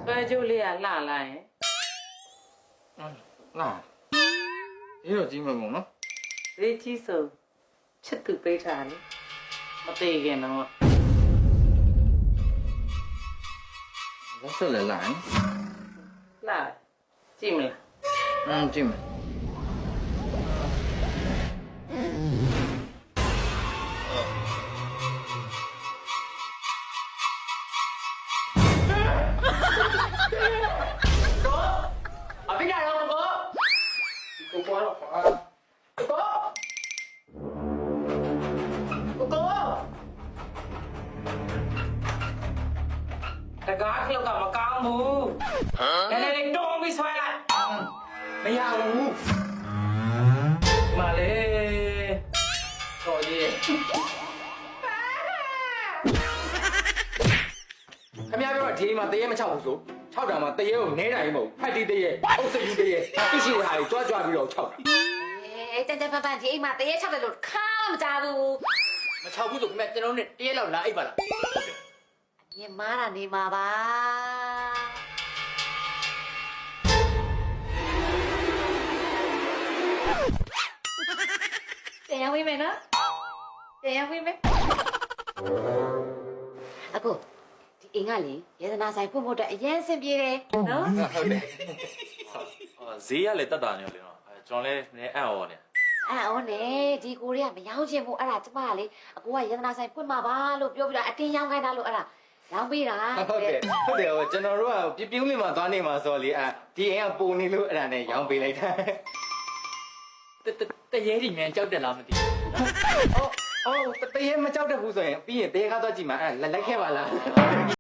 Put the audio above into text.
ပဲကျိုးလေးကလှလာရင်လာဒီတော့ကြီးမကုန်နော်ဈေးကြီးဆိုချစ်သူပေးထားတယ်မသေးခင်တော့လက်ဆက်လည်းလာရင်လှကြည့်မလားကြည့်မယ်အပိကတော့ကိုပွားတော့တကားခလုတ်ကမကောင်းဘူးနည်းနည်းလေးတွန်းပြီးဆွဲလိုက်မရဘူးမလေးတော်ကြီးခမရပြောတော့ဒီမှာတရေမချောက်ဘူးဆို6တောင်မှာတရေကိုနဲတိုင်းမဟုတ်ဖတ်တီးတရေအုပ်စိတ်ကြီးတရေသိရှိတဲ့ဟာကိုကြွားပြီးတော့6တာတန်တန်ပန်ပန်ဒီအိမ်မှာတရေချောက်တယ်လို့ခါမကြဘူးမချောက်ဘူးဆိုခင်ဗျကျွန်တော်တို့တရေလောက်လာအိပ်ပါလားညမားတာနေမှာပါတရားဝင်မယ်နော်တရားဝင်မယ်အခုဒီအိမ်ကလေရတနာဆိုင်ဖွင့်ဖို့အတွက်အရင်အဆင်ပြေတယ်နော်ဟုတ်တယ်ဈေးရလေတက်တာနေရောလေနော်ကျွန်တော်လည်းနည်းအံ့ဩနေအော်နေဒီကိုတွေကမရောင်းချင်ဘူးအဲ့ဒါကျမကလေအကိုကရတနာဆိုင်ဖွင့်မှာပါလို့ပြောပြီးတော့အတင်းရောင်းခိုင်းတာလို့အဲ့ဒါရောင်းပေးတာဟုတ်တယ်ကျွန်တော်တို့ကပြူးမြင်မှာသွားနေမှာဆိုလေဒီအိမ်ကပုံနေလို့အဲ့ဒါနဲ့ရောင်းပေးလိုက်တာတရေကြီးမြန်ကြောက်တယ်လားမသိအော်တရေမကြောက်တတ်ဘူးဆိုရင်ပြီးရင်တရေကားသွားကြည့်မှာလိုက်ခဲ့ပါလား